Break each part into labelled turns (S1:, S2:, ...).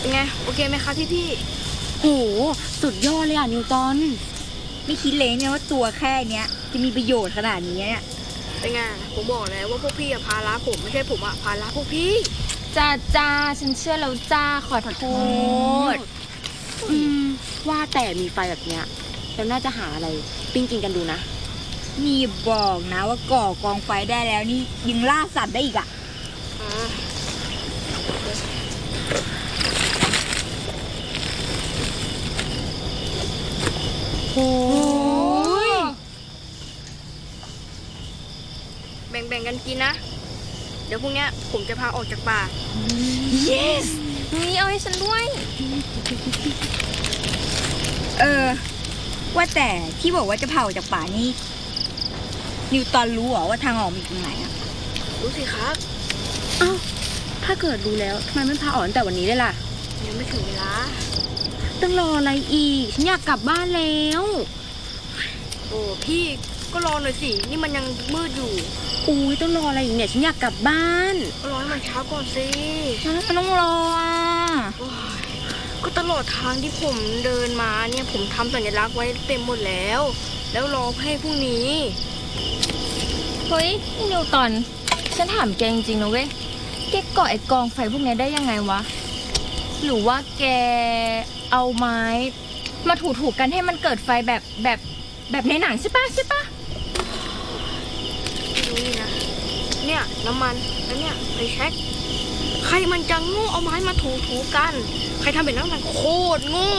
S1: เป็นไงโอเคไหมคะพี่
S2: โหสุดยอดเลยอ่ะนิวตัน
S3: ไม่คิดเลยเนี่ยว่าตัวแค่เนี้ยจะมีประโยชน์ขนาดนี้เนี่ย
S1: เป็นไงผมบอกแล้วว่าพวกพี่อะพาละผมไม่ใช่ผมอะพาละพวกพี่
S2: จ้าฉันเชื่อแล้วจ้าขอโทษว่าแต่มีไฟแบบเนี้ยเราน่าจะหาอะไรปิ้งกินกันดูนะ
S3: นี่บอกนะว่าก่อกองไฟได้แล้วนี่ยังล่าสัตว์ได้อีกอ่ะ
S2: โอ้ย
S1: แบ่งกันกินนะเดี๋ยวพรุ่งนี้ผมจะพาออกจากป่า
S2: yes นี่เอาให้ฉันด้วย
S3: ว่าแต่ที่บอกว่าจะเผาจากป่านี่นิวตอนรู้เหรอว่าทางออกมีตรงไหนอ่ะ
S1: รู้สิครับ
S2: อ้าวถ้าเกิดรู้แล้วทำไมไม่พาออกตั้งแต่วันนี้เลยล่ะ
S1: ยังไม่ถึงเวลา
S2: ต้องรออะไรอีกฉันอยากกลับบ้านแล้ว
S1: โอ้พี่ก็รอหน่อยสินี่มันยังมืดอยู่
S2: อุ้ยต้องรออะไรอีกเนี่ยฉันอยากกลับบ้าน
S1: ก็รอให้มันเช้าก่อนสิ
S2: มันต้องรออ่ะ
S1: ก็ตลอดทางที่ผมเดินมาเนี่ยผมทำสัญลักษณ์ไว้เต็มหมดแล้วรอให้พรุ่งนี้
S2: เฮ้ยนิวตันฉันถามแกจริงๆนะเว้ยแกก่อไอ้กองไฟพวกนี้ได้ยังไงวะหรือว่าแกเอาไม้มาถูๆกันให้มันเกิดไฟแบบในหนังใช่ปะ
S1: ดูนี่นะเนี่ยน้ำมันแล้วเนี่ยไฟแช็กใครมันจะโง่เอาไม้มาถูกันใครทำแบบนั้นมันโคตรโง่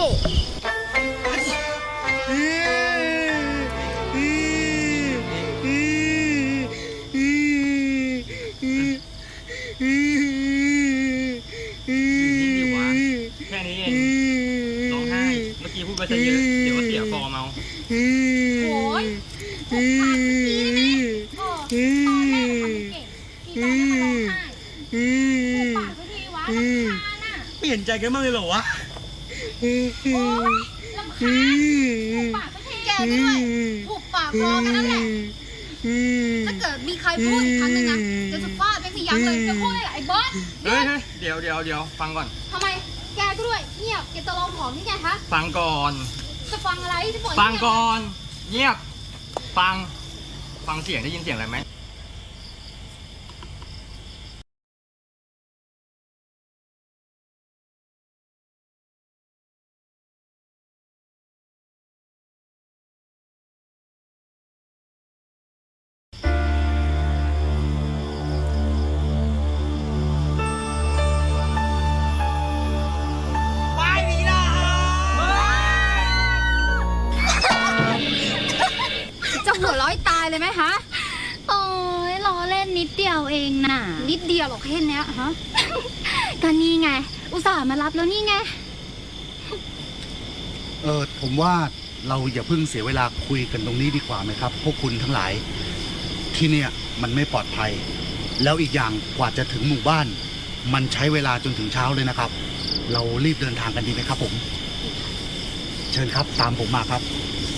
S4: แค่นี้เองร้องไห้เมื่อกี้พูดไปซะเยอะเดี๋ยวก็เสียฟอร์มเอา
S2: โอ้ยถูกปากเมื่อกี้ได้ไหมตอนแรกทำเก่งทีตอนนี้มาร้องไห้ถูกปากสักทีวะรำคาญอ่ะ
S4: เปลี่ยนใจกันบ้างเลยเหรอวะ
S2: โอ้ยรำคาญถูกปากสักทีแกด้วยถูกปากรอกันนั่นแหละถ้าเกิดมีใครพูดอีกครั้งนึงนะจะฟาดไม่ยั้งเลยจะพูดอะไรไอ้บอส
S4: เฮ้ยเดี๋ยวฟังก่อน
S2: ทำไมแกก็ด้วยเงียบแกจะลองผอมนี่ไงคะ
S4: ฟังก่อน
S2: จะฟังอะไรที่บอก
S4: ฟังก่อนเงียบฟังเสียงได้ยินเสียงอะไรไหม
S2: หัวร้อยตายเลยไหมฮะโอ้ยล้อเล่นนิดเดียวเองน่ะนิดเดียวหรอกแค่นี้ฮะก็นี่ไงอุตส่าห์มารับแล้วนี่ไง
S5: ผมว่าเราอย่าเพิ่งเสียเวลาคุยกันตรงนี้ดีกว่าไหมครับพวกคุณทั้งหลายที่เนี่ยมันไม่ปลอดภัยแล้วอีกอย่างกว่าจะถึงหมู่บ้านมันใช้เวลาจนถึงเช้าเลยนะครับเรารีบเดินทางกันดีไหมครับผมเชิญครับตามผมมาครับ